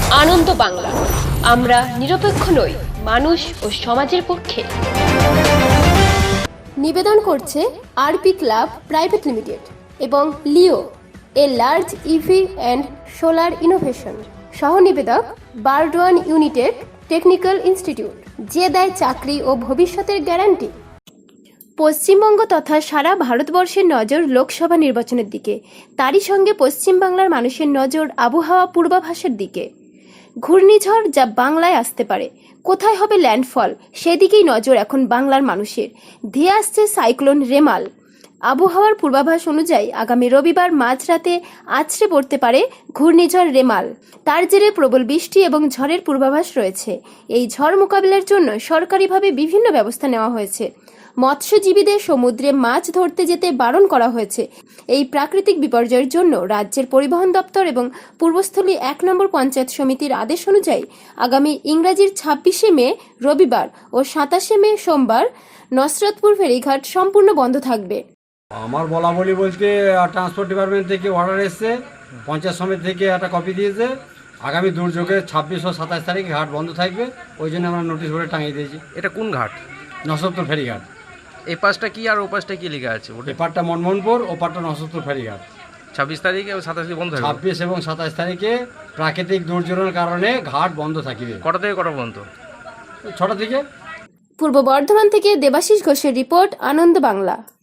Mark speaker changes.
Speaker 1: আনন্দ বাংলা, আমরা নিরপেক্ষ নই, মানুষ ও সমাজের পক্ষে।
Speaker 2: নিবেদন করছে আরপি ক্লাব প্রাইভেট লিমিটেড এবং Leo, a large EV and solar innovation. সহ নিবেদক বারডোয়ান ইউনিটেড টেকনিক্যাল ইনস্টিটিউট, যে দেয় চাকরি ও ভবিষ্যতের গ্যারান্টি। পশ্চিমবঙ্গ তথা সারা ভারতবর্ষের নজর লোকসভা নির্বাচনের দিকে, তারই সঙ্গে পশ্চিমবাংলার মানুষের নজর আবহাওয়া পূর্বাভাসের দিকে। ঘূর্ণিঝড় যা বাংলায় আসতে পারে, কোথায় হবে ল্যান্ডফল, সেদিকেই নজর এখন বাংলার মানুষের। ধেয়ে আসছে সাইক্লোন রেমাল। আবহাওয়ার পূর্বাভাস অনুযায়ী আগামী রবিবার মাঝরাতে আছড়ে পড়তে পারে ঘূর্ণিঝড় রেমাল। তার জেরে প্রবল বৃষ্টি এবং ঝড়ের পূর্বাভাস রয়েছে। এই ঝড় মোকাবিলার জন্য সরকারিভাবে বিভিন্ন ব্যবস্থা নেওয়া হয়েছে। মৎস্যজীবীদের সমুদ্রে মাছ ধরতে যেতে বারণ করা হয়েছে। এই প্রাকৃতিক বিপর্যয়ের জন্য রাজ্যের পরিবহন দপ্তর এবং পূর্বস্থলী 1 নম্বর পঞ্চায়েত সমিতির আদেশ অনুযায়ী আগামী ইংরাজির 26শে মে রবিবার ও 27শে মে সোমবার নসরতপুর ফেরিঘাট সম্পূর্ণ বন্ধ থাকবে।
Speaker 3: আমার বলা বলি বলতে ট্রান্সপোর্ট ডিপার্টমেন্ট থেকে অর্ডার এসছে, পঞ্চায়েত সমিতি থেকে একটা কপি দিয়েছে। আগামী দুর্যোগে 26 ও 27 তারিখে ঘাট বন্ধ থাকবে, ওই জন্য আমরা নোটিশ বোর্ডে টাঙিয়ে দিয়েছি।
Speaker 4: এটা কোন ঘাট?
Speaker 3: নসরতপুর ফেরিঘাট।
Speaker 4: এই পাশটা কি আর ও পাশটা কি লেখা আছে? ওটা
Speaker 3: এপারটা মনমোহনপুর, ওপারটা নসরতপুর ফেরিঘাট।
Speaker 4: 26 তারিখে ও 27 বন্ধ হবে।
Speaker 3: 26 এবং 27 তারিখে প্রাকৃতিক দুর্যোগের কারণে ঘাট বন্ধ থাকবে।
Speaker 4: কটা থেকে কটা পর্যন্ত?
Speaker 3: 6টা থেকে।
Speaker 2: পূর্ব বর্ধমান থেকে দেবাশিস ঘোষের রিপোর্ট, আনন্দ বাংলা।